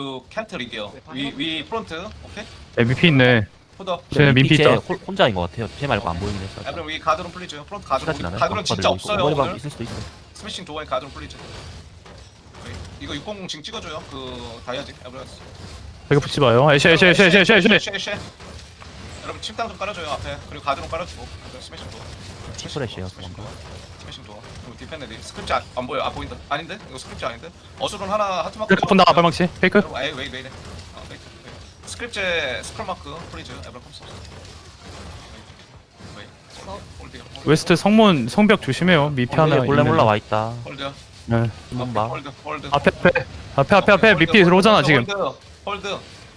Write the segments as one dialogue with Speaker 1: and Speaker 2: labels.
Speaker 1: 캔틀이게요. 위 프론트. 오케이.
Speaker 2: MVP 있네.
Speaker 1: 포더.
Speaker 2: 쟤네 민피
Speaker 3: 쟤
Speaker 2: 있다.
Speaker 3: 혼자인 것 같아요. 쟤 말고 안 보이긴 했어.
Speaker 1: 에브럼 위 가드론 플리즈. 프론트 가드론.
Speaker 3: 시간이 나네.
Speaker 1: 가드론 진짜 없어요
Speaker 3: 오버리방
Speaker 1: 오늘.
Speaker 3: 있을 수도 있어.
Speaker 1: 스매싱 도어에 가드론 플리즈. 이거 600 징 찍어줘요. 그 다이아지. 에브럼.
Speaker 2: 여기 붙지 마요. 애쉬.
Speaker 1: 여러분 침탕 좀 깔아줘요 앞에. 그리고 가드론 깔아주고. 스매싱 도어.
Speaker 3: 치프레시요.
Speaker 1: 스매싱 도어. 스매싱 도어. 그리고 디펜레디. 스크립트 안 보여. 아 보인다. 아닌데? 이거 스크립트 아닌데? 어수론 하나 하트 마크.
Speaker 2: 페이크 본다. 발망치. 페이크.
Speaker 1: 에이 왜 이래? 스크립트 스크롤 마크 프리즈 에브럼 컴스.
Speaker 2: 웨스트 성문 성벽 조심해요. 미피 하나.
Speaker 3: 몰래 몰래
Speaker 2: 있는데.
Speaker 3: 와 있다.
Speaker 1: 홀드.
Speaker 2: 네.
Speaker 3: 한번 봐.
Speaker 1: 홀드.
Speaker 2: 앞에 미피 들어오잖아 지금.
Speaker 1: 홀드.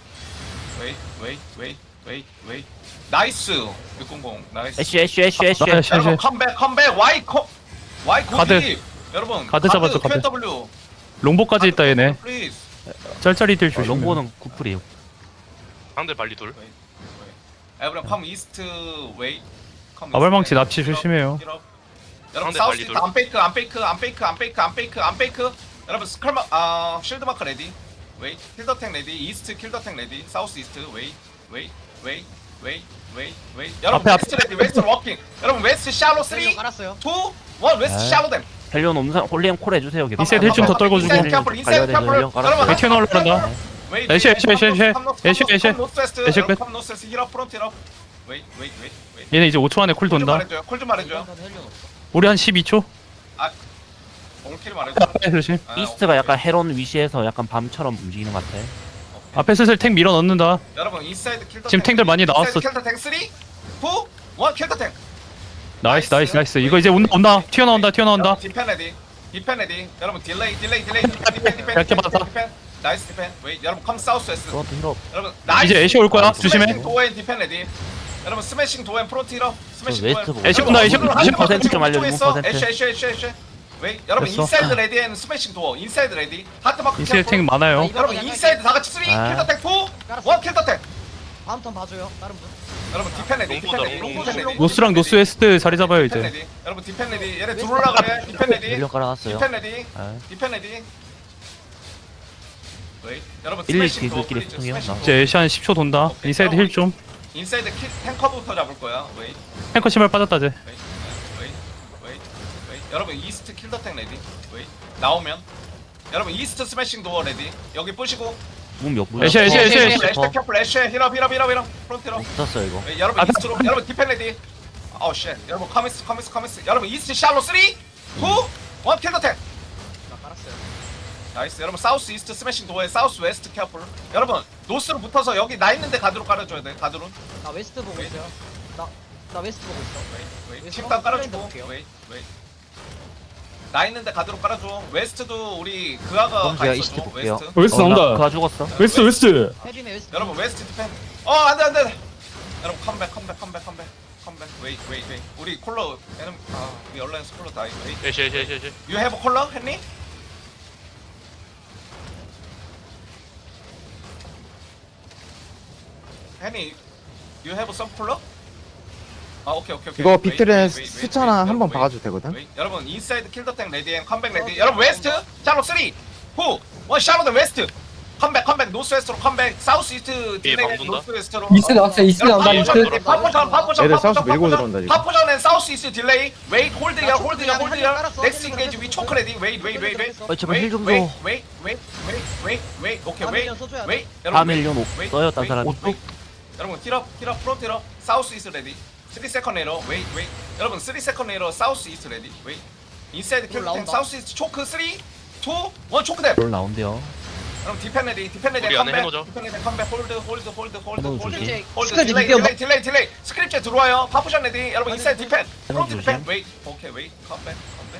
Speaker 1: 웨이. 나이스. 600 나이스.
Speaker 3: 애쉬.
Speaker 1: 여러분 컴백 와이
Speaker 2: 가드.
Speaker 1: 코디. 여러분
Speaker 2: 가드 잡았죠, 가드.
Speaker 1: QW.
Speaker 2: 롱보까지 있다 얘네.
Speaker 1: 플리즈.
Speaker 2: 짤짤이 딜 조심.
Speaker 3: 롱보는 구플이에요.
Speaker 4: 상대 발리 둘.
Speaker 1: 에브럼 컴 이스트 웨이.
Speaker 2: 아발망치 납치 조심해요.
Speaker 1: 여러분
Speaker 4: 상대
Speaker 1: 사우스
Speaker 4: 발리
Speaker 1: 이스트 안 페이크. 여러분 스컬 쉴드 마크 레디. 웨이 킬더탱 레디. 이스트 킬더탱 레디. 사우스 이스트 웨이. 여러분
Speaker 2: 앞에.
Speaker 1: 웨스트 레디. 웨스트 워킹. 여러분 웨스트 샬로 3 2 1
Speaker 5: 깔았어요.
Speaker 1: 웨스트
Speaker 3: 네.
Speaker 1: 샬로 댐.
Speaker 3: 헬리온 옴상 홀리엠 콜 해주세요. 걔.
Speaker 2: 이세트 힐좀 더 떨궈주고.
Speaker 1: 인사이드 캠플. 여러분
Speaker 2: 웨이팅 올라간다. 애쉬. 애쉬 끝.
Speaker 1: 컴 노스에서 힐업 프론트 힐업. 웨이.
Speaker 2: 얘네 이제 5초 안에 콜 돈다.
Speaker 1: 콜 좀 말해줘요.
Speaker 2: 우리 한 12초.
Speaker 1: 올킬 말해줘.
Speaker 2: 조심.
Speaker 3: 이스트가 약간 헤론 위시에서 약간 밤처럼 움직이는 것 같아.
Speaker 2: 앞에 슬슬 탱 밀어 넣는다.
Speaker 1: 여러분 인사이드 킬더
Speaker 2: 지금 탱들 많이 나왔어.
Speaker 1: 킬더 탱 3 2 1 킬더 탱.
Speaker 2: 나이스. 이거 이제 온다. 튀어나온다.
Speaker 1: 디펜 레디. 여러분 딜레이.
Speaker 2: 얇게 받았다.
Speaker 1: 디펜. 나이스 디펜. 웨이. 여러분 컴 사우스 웨스트.
Speaker 3: 프론트 힐업.
Speaker 1: 여러분 나이스.
Speaker 2: 이제 애쉬 올 거야. 조심해.
Speaker 1: 스매싱 도어앤 디펜 레디. 여러분 스매싱 도어앤 프론트 힐업. 스매싱
Speaker 3: 웨스트
Speaker 1: 도어앤.
Speaker 3: 보고.
Speaker 2: 애쉬 온다. 애쉬 온다.
Speaker 3: 10% 좀 알려줘, 10%.
Speaker 1: 애쉬. 웨이. 여러분
Speaker 2: 됐어.
Speaker 1: 인사이드 레디 앤 스매싱 도어. 인사이드 레디. 하트 마크
Speaker 2: 이세 탱 많아요.
Speaker 1: 여러분 인사이드 다 같이 3 킬더 탱 2 1 킬더 탱.
Speaker 5: 다음 턴 봐줘요. 다른 분.
Speaker 1: 여러분 디펜 레디.
Speaker 2: 노스랑 노스 웨스트 자리 잡아요
Speaker 1: 디펜
Speaker 2: 이제.
Speaker 1: 레디. 여러분 디펜 레디. 얘네 들어올라 그래. 디펜 레디.
Speaker 3: 헬리온 깔아놨어요.
Speaker 1: 디펜 레디.
Speaker 3: 네.
Speaker 1: 디펜 레디. 웨이. 여러분
Speaker 3: 1, 2
Speaker 1: 스매싱 도어
Speaker 3: 킬들끼리
Speaker 1: 플리즈,
Speaker 3: 소통해요.
Speaker 1: 스매싱 도어.
Speaker 2: 이제 애쉬 한 10초 돈다. 인사이드 힐 좀.
Speaker 1: 인사이드 탱커부터 잡을 거야. 웨이.
Speaker 2: 탱커 신발 빠졌다 쟤.
Speaker 1: 웨이. 여러분 이스트 킬더탱 레디. 웨이. 나오면 여러분 이스트 스매싱 도어 레디. 여기 부시고
Speaker 3: 몸몇 분?
Speaker 2: 애쉬.
Speaker 1: 애쉬 캐플 애쉬 힐업 프론트 힐업.
Speaker 3: 붙었어 이거.
Speaker 1: 웨이, 여러분 이스트로 여러분 디펜 레디. 아우 쉣. 여러분 커미스. 여러분 이스트 샬로 3 2 1 킬더탱.
Speaker 5: 나 깔았어요.
Speaker 1: 나이스. 여러분 사우스 이스트 스매싱 도어에 사우스 웨스트 캐플. 여러분 노스로 붙어서 여기 나 있는데 가드로 깔아줘야 돼. 가드론.
Speaker 5: 나 웨스트 보고 있어요. 나 웨스트 보고 있어.
Speaker 1: 웨이. 침단 깔아주고.
Speaker 5: 볼게요.
Speaker 1: 웨이. 나 있는데 가드로 깔아줘. 웨스트도 우리 그아가
Speaker 3: 그럼
Speaker 1: 가
Speaker 3: 제가
Speaker 1: 있어줘.
Speaker 3: 이스트 볼게요.
Speaker 2: 웨스트 나온다.
Speaker 3: 그가 죽었어.
Speaker 2: 웨스트.
Speaker 5: 헤비메 웨스트.
Speaker 1: 여러분 웨스트 디펜. 안돼. 여러분 컴백. 웨이. 우리 콜러 에는 우리 얼라이언스 콜러 다이. 웨이.
Speaker 4: 애쉬.
Speaker 1: You have a 콜러 했니? You have some 콜러? 오케이.
Speaker 6: 이거 비틀의 수차나 한번 봐가지고 되거든?
Speaker 1: 여러분 인사이드 킬더탱 레디 앤 컴백 레디. 여러분 웨스트 샬로 3 2 1 샬로 더 웨스트. 컴백 노스 웨스트로 컴백. 사우스 이스트 딜레이
Speaker 4: 방문다?
Speaker 1: 노스 웨스트로.
Speaker 7: 이스트 나왔어. 이스트 나온다. 이스트.
Speaker 1: 파포전.
Speaker 6: 애들 사우스 밀고 들어온다, 지금.
Speaker 1: 파포전 앤 사우스 이스트 딜레이. 웨이 홀드야.
Speaker 5: 깔았어.
Speaker 1: 넥스트 인게이지 위 초크 레디. 웨이.
Speaker 3: 제발 힐 좀 줘.
Speaker 1: 웨이. 오케이 웨이.
Speaker 5: 하밀리언 써줘야 돼.
Speaker 1: 웨이.
Speaker 3: 4밀리언 써요 딴 사람이.
Speaker 1: 여러분 힐업 프론트 힐업. 사우스 이스트 레디. 3 세컨 레이러. 웨이. 여러분 3 세컨 레이러. 사우스 이스트 레디. 웨이. 인사이드 킬러
Speaker 5: 나온다.
Speaker 1: 사우스 이스트 초크 3 2 1 초크 댐.
Speaker 3: 롤 나온대요.
Speaker 1: 그럼 디펜 레디
Speaker 4: 우리 안에 해놓자.
Speaker 1: 디펜 레디 컴백 홀드
Speaker 3: 해놓은 조심.
Speaker 1: 딜레이 스크립트 들어와요. 파푸션 레디. 여러분 인사이드 디펜
Speaker 3: 해놓은
Speaker 1: 프론트
Speaker 3: 조심.
Speaker 1: 디펜 웨이. 오케이 웨이 컴백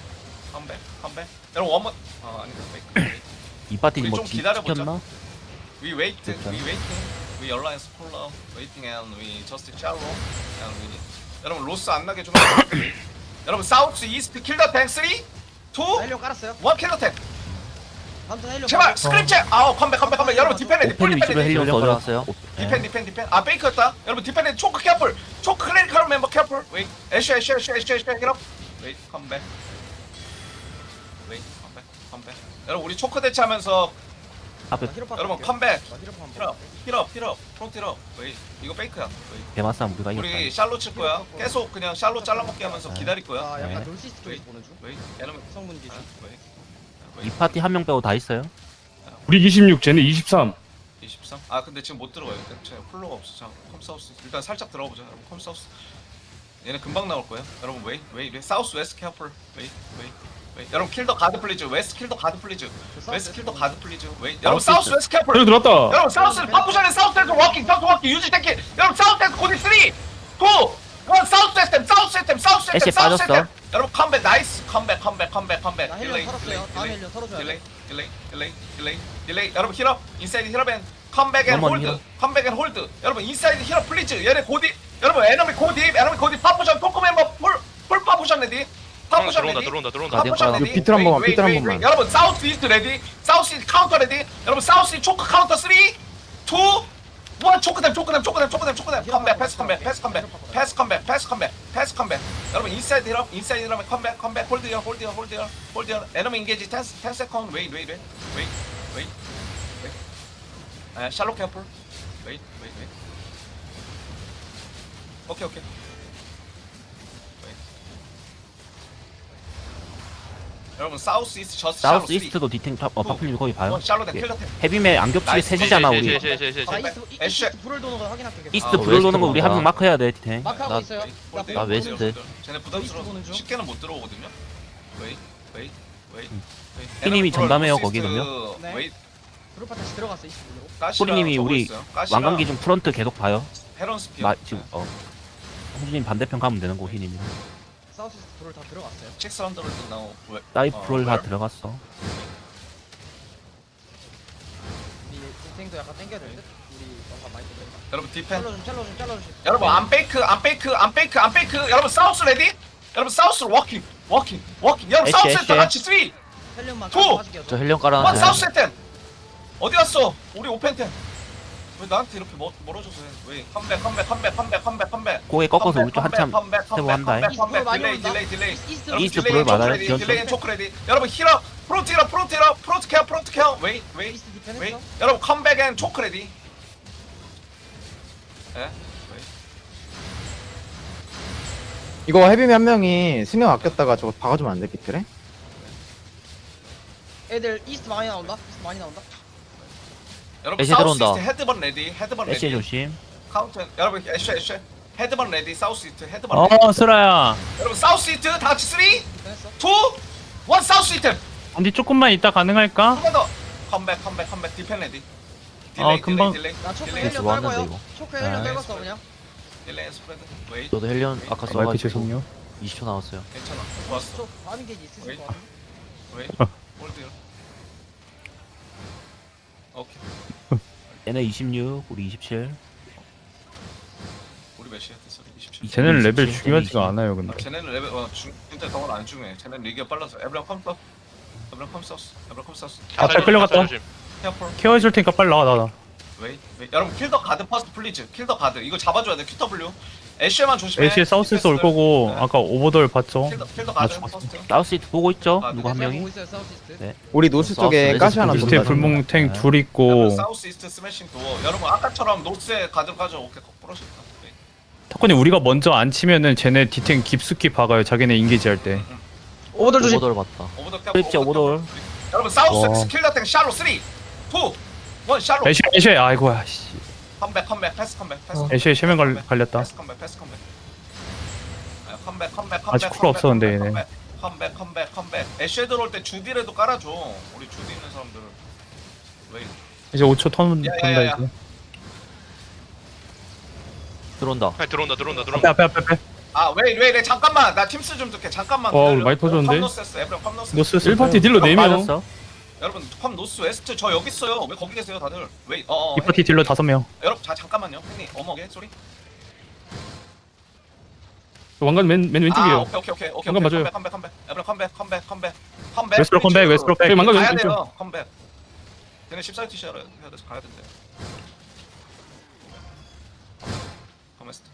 Speaker 1: 여러분 원머 아니다 웨이.
Speaker 3: 이 파티는
Speaker 1: 우리
Speaker 3: 뭐
Speaker 1: 좀 기다려보자.
Speaker 3: 지켰나?
Speaker 1: We wait,
Speaker 3: 됐다.
Speaker 1: we alliance color, waiting and we just shallow and we. 여러분 로스 안 나게 좀. 여러분 사우스 이스트 킬더 탱 3, 2, 1
Speaker 5: 헬리온 깔았어요.
Speaker 1: 킬더 탱.
Speaker 5: 다음 턴 헬리온.
Speaker 1: 제발 스크립트. 컴백. 여러분 디펜 레디.
Speaker 3: 오펜 위주로 헬리온 써줘놨어요.
Speaker 1: 디펜. 페이크였다. 여러분 디펜 레디 초크 캐플. 초크 클리니컬 멤버 캐플. 웨이. 애쉬. 힐업. 웨이. 컴백. 여러분 우리 초크 대치하면서
Speaker 3: 앞에
Speaker 1: 여러분 컴백. 힐업 프론트 힐업. 웨이 이거 페이크야. 웨이.
Speaker 3: 대마싸움 우리가 이겼다.
Speaker 1: 우리 샬롯 칠 거야. 계속 그냥 샬롯 잘라먹기 하면서 기다릴 거야.
Speaker 5: 아 약간
Speaker 3: 네.
Speaker 5: 놀시스 쪽에서 보는 중.
Speaker 1: 웨이 에너미
Speaker 5: 성문 기준.
Speaker 1: 웨이
Speaker 3: 이 파티 한 명 빼고 다 있어요.
Speaker 2: 우리 26, 쟤네 23.
Speaker 1: 23. 아 근데 지금 못 들어가요. 제가 폴로가 없어. 자 컴사우스 일단 살짝 들어가보자. 여러분 컴사우스. 얘네 금방 나올 거야. 여러분 웨이 사우스 웨스트 케어풀. 웨이. 여러분 킬더 가드 플리즈. 웨스트 킬더 가드 플리즈. 웨스트 킬더 가드 플리즈. 웨이. 여러분 사우스 웨스트 케어풀.
Speaker 2: 그래 들었다.
Speaker 1: 여러분 사우스 파푸션의 사우스 웨스트 워킹 사우스 워킹 유지 탱키. 여러분 사우스 웨스트 코디 3 2 1 사우스 웨스트
Speaker 3: 애쉬 빠졌어.
Speaker 1: 여러분 컴백 나이스 컴백.
Speaker 5: 나 헬륨 털었어요. 다음 헬륨 털어줘야 돼.
Speaker 1: 딜레이 여러분 힐업 인사이드 힐업 앤 컴백 앤
Speaker 3: 넘어니
Speaker 1: 홀드
Speaker 3: 힐업.
Speaker 1: 컴백 앤 홀드 여러분 인사이드 힐업 플리즈 얘네 고디 여러분 에너미 고디 파푸션 토크 멤버 풀 파푸션 레디 파푸션 레디
Speaker 4: 들어온다.
Speaker 1: 파푸션
Speaker 3: 가디언
Speaker 1: 레디
Speaker 6: 비틀 한 번만,
Speaker 1: 웨이,
Speaker 6: 비틀 한
Speaker 1: 웨이,
Speaker 6: 번만.
Speaker 1: 웨이. 여러분 사우스 이스트 레디 사우스 이스트 카운터 레디 여러분 사우스 이스트 초크 카운터 3 2 1 초크댐 컴백 패스 컴백 여러분 인사이드 힐업 컴백 홀드 에너미 인게이지 10 세컨드 웨이 샬롯 캠플 웨이 오케이 여러분 사우스 이스트 저스트
Speaker 3: 사우스 이스트도 디탱 파플님 거기 봐요.
Speaker 1: 샬롯 앤
Speaker 3: 예.
Speaker 1: 킬러 템
Speaker 3: 헤비맨 안겹치게
Speaker 1: 나이스.
Speaker 3: 셋이잖아 우리.
Speaker 5: 아
Speaker 1: 애쉬.
Speaker 5: 이스트 불을 도는 거 확인할게. 계속.
Speaker 3: 이스트
Speaker 1: 아,
Speaker 3: 불을 도는 거
Speaker 2: 웨스트
Speaker 3: 우리 한 명
Speaker 2: 뭔가.
Speaker 3: 마크해야 돼 디탱.
Speaker 5: 마크하고
Speaker 3: 나
Speaker 5: 있어요.
Speaker 3: 나 웨스트.
Speaker 1: 쟤네
Speaker 5: 웨스트
Speaker 1: 부담스러워
Speaker 5: 보는 중.
Speaker 1: 쉽게는 못 들어오거든요 웨이
Speaker 3: 피님이 전담해요, 거기 넣으면.
Speaker 1: 웨이
Speaker 5: 브루파 다시 들어갔어 이스트 불로.
Speaker 3: 소리님이 우리 왕관기 중 프런트 계속 봐요.
Speaker 1: 헤런 스피어
Speaker 3: 지금 홍준님 반대편 가면 되는 거 휘님이.
Speaker 5: 사우스 이스트 불을 다 들어갔어요.
Speaker 1: 600 나오
Speaker 3: 사이프 프롤 다 들어갔어.
Speaker 5: 우리 탱도 약간 땡겨야 될 듯. 우리 뭔가 많이 땡겨.
Speaker 1: 여러분 디펜
Speaker 5: 잘라주시.
Speaker 1: 여러분 안 페이크 여러분 사우스 레디 여러분 사우스 워킹 여러분
Speaker 3: 애쉬,
Speaker 1: 사우스
Speaker 3: 애쉬.
Speaker 1: 다 같이 3 2
Speaker 5: 헬륨만
Speaker 1: 투!
Speaker 5: 가지게요.
Speaker 3: 저 헬륨
Speaker 1: 1
Speaker 3: 깔아놨어요.
Speaker 1: 사우스 템 어디 갔어 우리 오펜템 왜 나한테 이렇게 멀어져서 해 왜 컴백
Speaker 3: 고개 꺾어서 우리 쪽 한참 세고 한다.
Speaker 5: 이스트 불 많이 온다.
Speaker 1: 딜레이
Speaker 5: 이스트
Speaker 1: 여러분,
Speaker 3: 이스트
Speaker 1: 딜레이
Speaker 3: 불을 받아요,
Speaker 1: 초크 레디,
Speaker 3: 지원점.
Speaker 1: 딜레이 초크 레디 여러분 힐업 프론트 케어 웨이
Speaker 5: 이스트 디펜
Speaker 1: 웨이
Speaker 5: 했어.
Speaker 1: 여러분 컴백 앤 초크 레디 예
Speaker 6: 이거 헤비맨 한 명이 승용 아꼈다가 저거 박아주면 안 돼, 비틀에?
Speaker 5: 애들 이스트 많이 나온다.
Speaker 1: 여러분
Speaker 3: 애쉬
Speaker 1: 사우스
Speaker 3: 들어온다.
Speaker 1: 이스트 헤드번 레디
Speaker 3: 애쉬 조심.
Speaker 1: 카운트 여러분 애쉬 헤드번 레디 사우스 이스트 헤드번 레디
Speaker 2: 스라야.
Speaker 1: 여러분 사우스 이스트 다 같이 3 2 1
Speaker 5: 디펜 했어.
Speaker 1: 사우스 이스트
Speaker 2: 언니 조금만 이따 가능할까?
Speaker 1: 한 번 더 컴백 디펜 레디
Speaker 2: 금방.
Speaker 5: 나 초크
Speaker 1: 딜레이.
Speaker 5: 헬륨
Speaker 3: 뭐 하는데,
Speaker 5: 떨궈요.
Speaker 3: 이거?
Speaker 5: 초크 헬륨
Speaker 2: 네.
Speaker 5: 떨궜어 그냥.
Speaker 1: 딜레이 스프레드 웨이
Speaker 3: 저도 헬륨 아까
Speaker 2: 마이크
Speaker 3: 써가지고
Speaker 2: 죄송해요.
Speaker 3: 20초 나왔어요.
Speaker 1: 괜찮아 좋았어
Speaker 5: 저 바밍 게이지 있으실
Speaker 1: 웨이.
Speaker 5: 것 같아.
Speaker 1: 웨이 홀드 오케이
Speaker 3: 얘네 26, 우리 27.
Speaker 1: 우리 몇이야 됐어 27
Speaker 2: 쟤네는 레벨
Speaker 3: 27,
Speaker 2: 중요하지가
Speaker 3: 20.
Speaker 2: 않아요 근데.
Speaker 1: 쟤네는 레벨 진짜 덩어리 안 중요해 쟤네는 리기가 빨라서 에브랑 컴사우스
Speaker 2: 아, 잘 끌려갔다.
Speaker 1: 케어풀
Speaker 2: 케어해줄 테니까 빨리 나와.
Speaker 1: 웨이 여러분 킬더 가드 퍼스트 플리즈 킬더 가드 이거 잡아줘야 돼 QW 애쉬만 조심해
Speaker 2: 애쉬에 사우스에서 올 거고
Speaker 1: 네.
Speaker 2: 아까 오버돌 봤죠?
Speaker 1: 킬더 가드
Speaker 2: 죽었어.
Speaker 1: 퍼스트
Speaker 3: 사우스 이스트 보고 있죠?
Speaker 1: 아,
Speaker 3: 누구 한
Speaker 5: 제가
Speaker 3: 명이?
Speaker 5: 보고 있어요 사우스 이스트.
Speaker 3: 네.
Speaker 6: 우리 노스
Speaker 3: 사우스
Speaker 6: 쪽에
Speaker 3: 웨스트
Speaker 6: 가시 하나
Speaker 3: 불
Speaker 2: 밑에
Speaker 6: 돈다.
Speaker 2: 불멍탱
Speaker 3: 네.
Speaker 2: 둘 있고
Speaker 1: 여러분 사우스 이스트 스매싱 도어 여러분 아까처럼 노스에 가드 가져 오케이 부러졌다
Speaker 2: 탁구님 우리가 먼저 안 치면은 쟤네 디탱 깊숙이 박아요 자기네 인게이지 할 때.
Speaker 5: 오버돌 조심.
Speaker 3: 오버돌 봤다.
Speaker 1: 오버더 캡
Speaker 3: 그렇지, 오버돌.
Speaker 1: 여러분 사우스
Speaker 2: 와.
Speaker 1: 킬더 땡 샬로 3 2 1 샬로
Speaker 2: 애쉬 아이고야 씨.
Speaker 1: 컴백 패스 컴백
Speaker 2: 애쉬에 쉐면 갈렸다.
Speaker 1: 패스 컴백 컴백
Speaker 2: 아직 쿨 없어, 근데 얘네.
Speaker 1: 컴백 애쉬에 들어올 때 주디라도 깔아줘 우리 주디 있는 사람들 왜
Speaker 2: 이제 5초 턴
Speaker 1: 야, 야,
Speaker 2: 돈다
Speaker 1: 야.
Speaker 2: 이제.
Speaker 4: 들어온다.
Speaker 2: 앞에.
Speaker 1: 아, 왜, 잠깐만. 나 팀스 좀 듣게. 잠깐만.
Speaker 2: 와,
Speaker 1: 기다려.
Speaker 2: 많이 터졌는데?
Speaker 1: 컴노스였어. 에브랑 컴노스.
Speaker 2: 노스
Speaker 8: 1파티 딜러 4명.
Speaker 3: 빠졌어.
Speaker 1: 여러분, 컴노스 웨스트 저 여기 있어요. 왜 거기 계세요, 다들? 왜?
Speaker 2: 이 파티 딜러 5명.
Speaker 1: 여러분, 잠깐만요. 형님, 어머게 소리.
Speaker 8: 왕관 맨
Speaker 1: 아,
Speaker 8: 왼쪽이에요.
Speaker 1: 오케이.
Speaker 8: 잠깐 맞아요.
Speaker 1: 컴백. 에브랑 컴백.
Speaker 2: 웨스트로 컴백.
Speaker 8: 저기 망가
Speaker 1: 가야
Speaker 8: 왼쪽.
Speaker 1: 돼요. 컴백. 걔네 14티 셔야 돼서 가야 된대. 컴웨스트.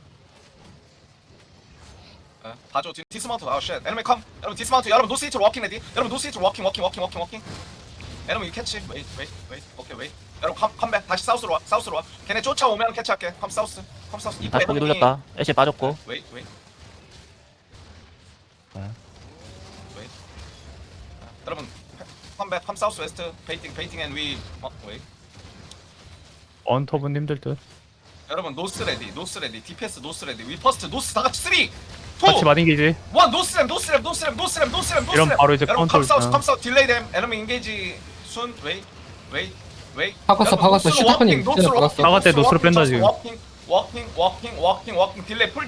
Speaker 1: 봐줘. 디스마운트. 아, 쉣. 에너미 컴. 여러분 디스마운트. 여러분 노스 이트로 워킹 레디. 여러분 노스 이트로 워킹. 여러분 이 캐치 웨이 오케이 웨이 여러분 컴백 다시 사우스로 와 걔네 쫓아오면 캐치할게 컴 사우스
Speaker 3: 다시 거기 돌렸다. 애쉬 빠졌고.
Speaker 1: 웨이
Speaker 3: 네.
Speaker 1: 여러분 컴백 컴 사우스 웨스트 베이팅 앤 위 웨이
Speaker 2: 언터브님들 듯.
Speaker 1: 여러분 노스 레디 DPS 노스 레디 위 퍼스트 노스 다 같이 3 2
Speaker 2: 같이 마딩기지.
Speaker 1: 1 노스램
Speaker 2: 이런 바로 이제
Speaker 1: 여러분
Speaker 2: 카운터.
Speaker 1: 컴사우스 딜레이 댐 에너미 인게이지 순 웨이
Speaker 7: 박았어. 시타코님 쟤네 박았어.
Speaker 2: 박았대, 노스로 뺀다, 지금.
Speaker 1: 워킹 딜레이 풀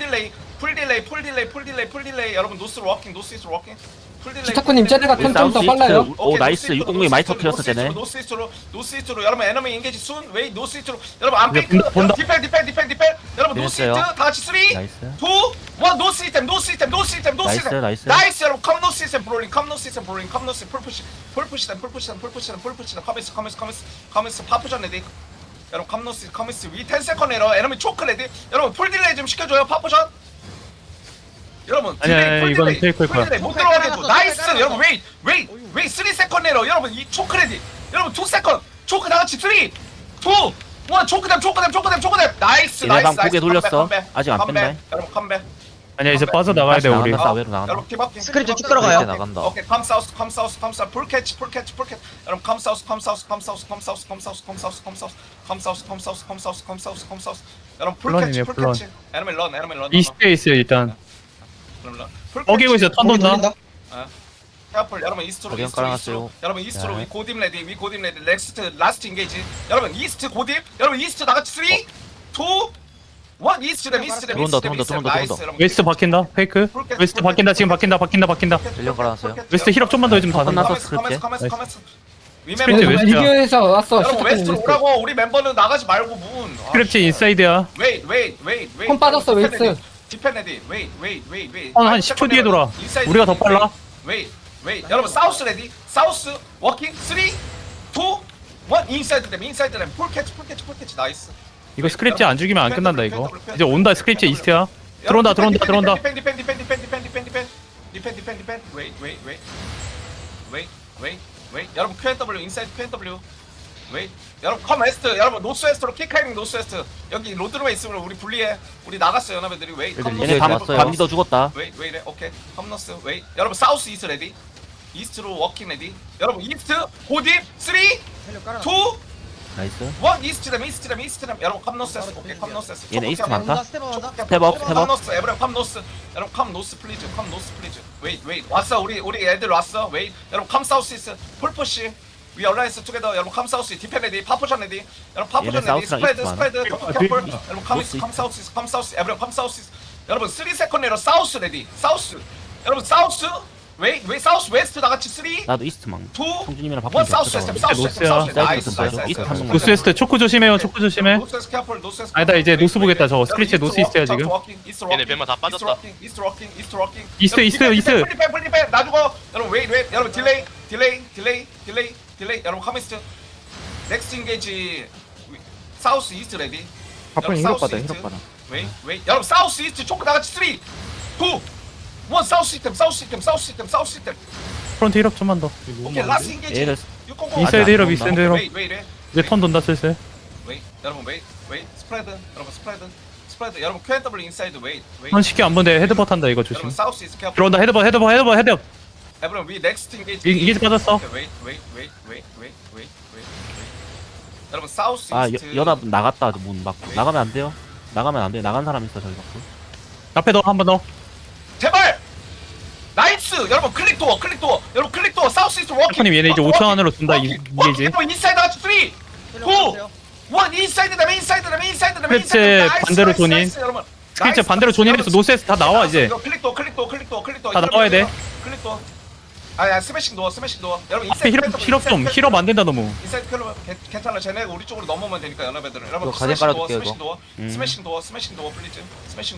Speaker 1: 딜레이 여러분 노스로 워킹 노스 이스로 워킹 풀 딜레이
Speaker 7: 시타코님 쟤네가
Speaker 3: 우리
Speaker 7: 턴좀 더
Speaker 3: 사우스
Speaker 7: 빨라요.
Speaker 3: 이스트, 오 나이스. 600이 많이 터뜨렸어 쟤네.
Speaker 1: 노스 이스트로 여러분 에너미 인게이지 순 웨이 노스 이스트로 여러분 안 페이크
Speaker 2: 본다.
Speaker 1: 디펜 여러분 노스 이스트
Speaker 3: 됐어요.
Speaker 1: 다 같이 3 2 1
Speaker 3: 나이스.
Speaker 1: 노스 시스템
Speaker 3: 나이스.
Speaker 1: 나이스 여러분 컴 노스 시스템 브롤링 컴 노스 풀푸시 커미스 파푸전 레디 여러분 커미스 위 10세컨 에러 에너미 초크 레디 여러분 풀 딜레이 좀 시켜줘요 파푸전 여러분
Speaker 2: 아니야,
Speaker 1: 풀
Speaker 2: 이건
Speaker 1: 딜레이,
Speaker 2: 테이크일
Speaker 1: 풀
Speaker 2: 거야.
Speaker 1: 딜레이 못 들어가게 해줘 나이스 여러분 웨이 3세컨 에러 여러분 이 초크 레디 여러분 2세컨 초크 다같이 3 2 1 초크댐 나이스
Speaker 3: 얘네 방 고개 돌렸어. 아직 안 뺐네.
Speaker 1: 여러분 컴백
Speaker 2: 아니야, 이제 빠져나가야 돼, 우리.
Speaker 3: 나간다. 사회로 나간다.
Speaker 1: 여러분 킵업킹
Speaker 5: 스크립트 쭉 들어가요.
Speaker 3: 이렇게 나간다.
Speaker 1: 오케이 컴 사우스 풀 캐치 여러분 컴 사우스 여러분 풀 캐치
Speaker 2: 플런이네,
Speaker 1: 에너미 런
Speaker 2: 이스트에 있어요, 일단. 어기고 있어, 턴
Speaker 7: 거기
Speaker 2: 돈다.
Speaker 7: 돌린다.
Speaker 1: 캐플 여러분 이스트로
Speaker 3: 가디언 깔아놨어요.
Speaker 1: 여러분 이스트로
Speaker 3: 네.
Speaker 1: 위 고딤 레디 넥스트 라스트 인게이지 여러분 이스트 고딤 여러분 이스트 나같이 3 2 1 이스트 댐
Speaker 3: 들어온다.
Speaker 2: 웨스트 바뀐다, 페이크. 웨스트 바뀐다, 지금 바뀐다.
Speaker 3: 전령 깔아놨어요.
Speaker 2: 웨스트 힐업 좀만 더 해주면 다 된다.
Speaker 3: 끝났어, 스크립트.
Speaker 2: 스크립트
Speaker 1: 리멤버
Speaker 2: 웨스트야.
Speaker 7: 리뷰에서 왔어.
Speaker 1: 여러분
Speaker 7: 시타코님
Speaker 1: 웨스트로
Speaker 7: 웨스트.
Speaker 1: 오라고 우리 멤버는 나가지 말고 문
Speaker 2: 스크립트 인사이드야.
Speaker 1: 웨이
Speaker 7: 콤 빠졌어, 웨스트.
Speaker 1: 디펜 레디 웨이
Speaker 2: 한 10초 뒤에 돌아. 우리가 더 빨라.
Speaker 1: 웨이 여러분 사우스 레디 사우스 워킹 3 2 1 인사이드 램 풀 캐치 나이스
Speaker 2: 이거 스크립트 안 죽이면 안 끝난다, 이거. 이제 온다, 스크립트 이스트야. 들어온다.
Speaker 1: 디펜 웨이 여러분 Q&W 인사이드 Q&W 웨이 여러분 컴 웨스트 여러분 노스 웨스트로 킥하이밍 노스 웨스트 여기 로드룸에 있으면 우리 분리해 우리 나갔어요 연합애들이 웨이 컴
Speaker 3: 얘네
Speaker 1: 노스
Speaker 3: 밤 리더 죽었다.
Speaker 1: 웨이래 오케이 컴 노스 웨이 여러분 사우스 이스트 레디 이스트로 워킹 레디 여러분 이스트 고딥 3 2 1
Speaker 3: 나이스.
Speaker 1: 이스트 댐 여러분 컴 노스 오케이 컴 노스
Speaker 3: 얘네 이스트 많다.
Speaker 5: 스텝업
Speaker 3: 스텝업.
Speaker 1: 컴 노스 에브리언 컴 노스 여러분 컴 노스 플리즈 웨이 왔어 우리 애들 왔어 웨이 여러분 컴 사우스 이스트 풀푸시 위 얼라이스 투게더 여러분 컴 사우스 디펜 레디 파푸션 레디 여러분 파푸션
Speaker 3: 얘네
Speaker 1: 레디
Speaker 3: 사우스랑
Speaker 1: 스프레드
Speaker 3: 이스트만.
Speaker 1: 토크 캠플 여러분 컴 사우스 에브리언 컴 사우스 여러분 3세컨 내로 사우스 레디 사우스 여러분 사우스 웨이 사우스 웨스트 나같이 3 2
Speaker 3: 나도 이스트만.
Speaker 1: 1
Speaker 3: 성준님이랑 바꾸면
Speaker 1: 사우스
Speaker 3: 됐어.
Speaker 1: 시스템
Speaker 2: 노스야.
Speaker 1: 나이스
Speaker 3: 이스트 한 명만.
Speaker 2: 노스웨스트 초크 조심해요, 초크 조심해.
Speaker 1: 노스에스 캐플 노스에스
Speaker 2: 아니다, 이제 노스 보겠다, 저거. 스크립트 노스 이스트야, 지금.
Speaker 4: 얘네 뱀마 다 빠졌다.
Speaker 1: 이스트 워킹
Speaker 2: 이스트.
Speaker 1: 플리펜 나 죽어 여러분 웨이 여러분 딜레이 여러분 커미스트 넥스트 인게이지 사우스 이스트 레디
Speaker 6: 바쁜
Speaker 1: 여러분,
Speaker 6: 힐업 받아
Speaker 1: 사우스
Speaker 6: 힐업 받아.
Speaker 1: 웨이 여러분 사우스 이스트 초크 나같이 3 2 1 사우스 시스템
Speaker 2: 프론트 힐업 좀만 더.
Speaker 1: 오케이 라스트 인게이지
Speaker 3: 얘들
Speaker 2: 인사이드 힐업,
Speaker 3: 안
Speaker 2: 인사이드 힐업.
Speaker 1: 웨이
Speaker 2: 이제 턴 돈다, 슬슬.
Speaker 1: 여러분 웨이 스프레드 여러분 Q&W 인사이드 웨이
Speaker 2: 턴 쉽게 안 본데 헤드버 탄다, 이거 조심.
Speaker 1: 여러분 사우스 이스트 캐플
Speaker 2: 들어온다, 헤드버.
Speaker 1: 여러분 위 넥스트 인게이지
Speaker 2: 이게 빠졌어.
Speaker 1: 웨이 여러분 사우스
Speaker 3: 아
Speaker 1: 이스트
Speaker 3: 연합 나갔다. 문 막고 나가면 안 돼요. 나간 사람 있어 저기 막고.
Speaker 2: 앞에 더, 한 번 더.
Speaker 1: 제발 나이스 여러분 클릭 도어 여러분 사우스 이스트 워킹
Speaker 2: 님 얘네 이제 5천 안으로 준다, 이게지.
Speaker 1: 여러분 인사이드 하트 3 2 1 인사이드 댐
Speaker 2: 스크립트 반대로 존인. 스크립트 반대로 존인해서 노스에서 다 나와, 이제.
Speaker 1: 클릭 도어
Speaker 2: 다 나와야 돼.
Speaker 1: 클릭 도어 아야 스매싱 도어 여러분
Speaker 2: 앞에 힐업 좀. 힐업 안 된다, 너무.
Speaker 1: 인사이드 클럽 괜찮아 쟤네가 우리 쪽으로 넘어오면 되니까 연합애들은 여러분
Speaker 3: 이거 가디언 깔아둘게요,
Speaker 1: 스매싱 도어 플리즈 스매싱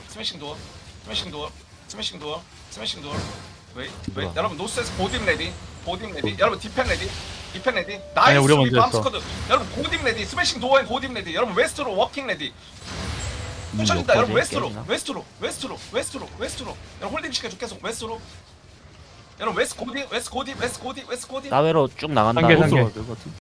Speaker 1: 도어 웨이 여러분 노스에서 보딤 레디 여러분 디펜 레디
Speaker 2: 아니야,
Speaker 1: 나이스
Speaker 2: 우리가 먼저 했어.
Speaker 1: 밤스쿼드 여러분 고딤 레디 스매싱 도어엔 고딤 레디 여러분 웨스트로 워킹 레디 훔쳐진다 여러분 웨스트로 여러분 홀딩 시켜줘 계속 웨스트로 여러분 웨스트 고디 웨스트 고디 웨스트 고디 웨스트 고디
Speaker 3: 사회로 쭉 나간다.
Speaker 2: 단계, 단계.
Speaker 8: 노스로 가야 될것 같아.